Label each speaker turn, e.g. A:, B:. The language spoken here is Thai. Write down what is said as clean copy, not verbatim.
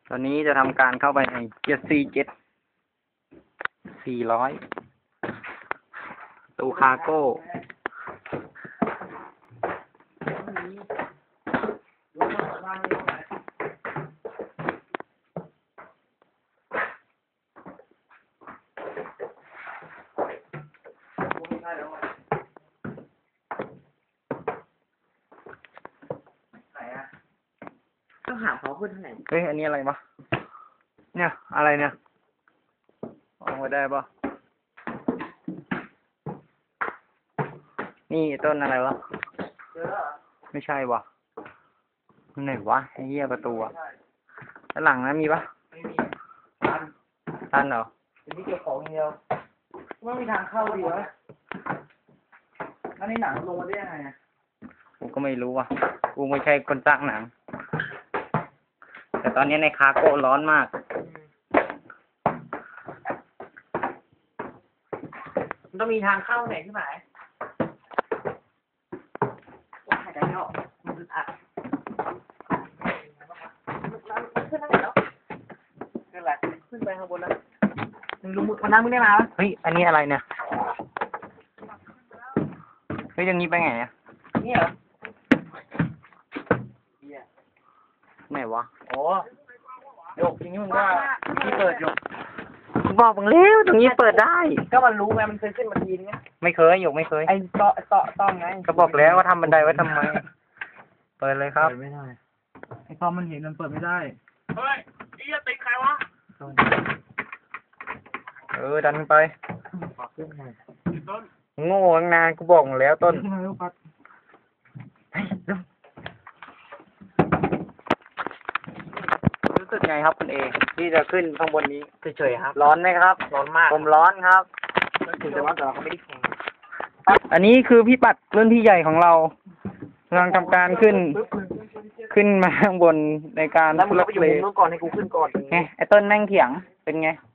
A: ตอนนี้จะทำการเข้าไปในเกียร์47 400ตู้คาร์โก้
B: ต้องหาเขาขึ้นทางไหน
A: เฮ้ย อันนี้อะไรวะ เนี่ย อะไรเนี่ยออกมาได้ปะนี่ต้นอะไรวะ
B: เจอแล้วเหรอ
A: ไม่ใช่วะไหนวะไอ้เหี้ยประตูอะด้านหลังนะมีปะ
B: ไม่มีตัน
A: ตันเหรอ
B: เป็นที่เก็บของอย่างเดียวไม่มีทางเข้าดีวะแล้วในหนังลงมาได้ยังไงอะ
A: กูก็ไม่รู้ว่ะ กูไม่ใช่คนสร้างหนัง แต่ตอนนี้ในคาร์โก้ร้อนมาก
B: มันต้องมีทางเข้าไหนที่ไหนหายใจไม่ออกมันอึดอัดขึ้นทางไหนแล้วขึ้นอะไรขึ้นไปข้างบนแล้วมึงรู้วันนั้นมึงได้มาปะ
A: เฮ้ย อันนี้อะไรเนี่ย เฮ้ยอย่างนี้ไปไงอะ
B: นี่เหรอ
A: ไหนวะ
B: โอ้ยกทีนี้มึงว่าที่เปิดยก
A: บอกมึงแล้วตรงนี้เปิดได้
B: ก็มันรู้ไงมันเคยขึ้นมาทีนึงไง
A: ไม่เคยหยกไม่เคย
B: ไอ้เตาะต้องไง
A: ก็บอกแล้วว่าทำบันไดไว้ทำไม เปิดเลยครับ
B: เปิดไม่ได้ไอ้ตอมมันเห็นมันเปิดไม่ได้เฮ้ยไอ้จะติดใครวะ
A: ดันขึ้นไป
B: ขึ้นไง
A: โง่ตั้งนานกูบอกมึงแล้วต้น
B: ขึ้นมาลูกปัด
A: รู้สึกไงครับคุณเอที่จะขึ้นข้างบนนี้
B: เฉยๆครับ
A: ร้อนไหมครับ
B: ร้อนมาก
A: ผมร้อนครับ
B: ถึงจะว่าแต่เราก็ไม่ได้แข่ง
A: อันนี้คือพี่ปัดรุ่นพี่ใหญ่ของเรากำลังทำการขึ้นมาข้างบนในการ
B: แล้วมึง
A: ทุ
B: ก็
A: ลัก
B: ไปอยู่
A: เล
B: มุมนู้นก่อนให้กูขึ้นก่อน
A: ไงไอ้ต้นนั่งเถียงเป็นไง